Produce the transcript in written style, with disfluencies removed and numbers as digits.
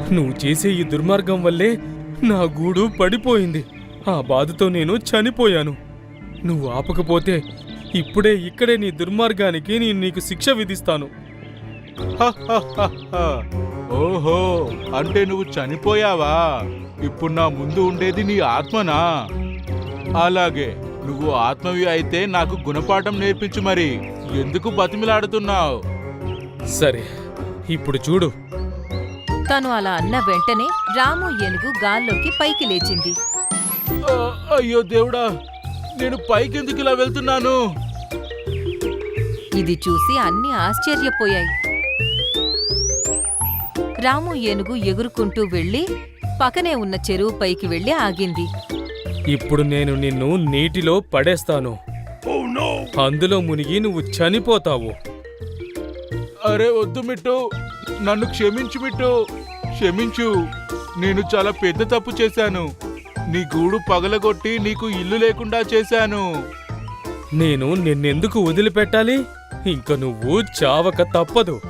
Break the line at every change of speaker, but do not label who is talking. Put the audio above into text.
నువ్వు చేసే ఈ దుర్మార్గం వల్లే నా గూడు పడిపోయింది. ఆ బాధతో నేను చనిపోయాను. నువ్వు ఆపకపోతే ఇప్పుడే ఇక్కడే నీ దుర్మార్గానికి నేను నీకు శిక్ష విధిస్తాను.
ఓహో, అంటే నువ్వు చనిపోయావా? ఇప్పుడు నా ముందు ఉండేది నీ ఆత్మనా? అలాగే, నువ్వు ఆత్మవి అయితే నాకు గుణపాఠం నేర్పించు. మరి ఎందుకు బతిమిలాడుతున్నావు?
సరే, ఇప్పుడు చూడు.
తను అలా అన్న వెంటనే రాము ఏనుగు గాల్లోకి పైకి లేచింది.
అయ్యో దేవుడా, నేను పైకెందుకు ఇలా వెళ్తున్నాను?
ఇది చూసి అన్నీ ఆశ్చర్యపోయాయి. రాము ఏనుగు ఎగురుకుంటూ వెళ్లి పక్కనే ఉన్న చెరువు పైకి వెళ్లి ఆగింది.
ఇప్పుడు నేను నిన్ను నీటిలో పడేస్తాను. అందులో మునిగి నువ్వు చనిపోతావు.
అరే వద్దు మిట్టు, నన్ను క్షమించు మిట్టు, క్షమించు. నేను చాలా పెద్ద తప్పు చేశాను. నీ గూడు పగలగొట్టి నీకు ఇల్లు లేకుండా చేశాను.
నేను నిన్నెందుకు వదిలిపెట్టాలి? ఇంక నువ్వు చావక తప్పదు.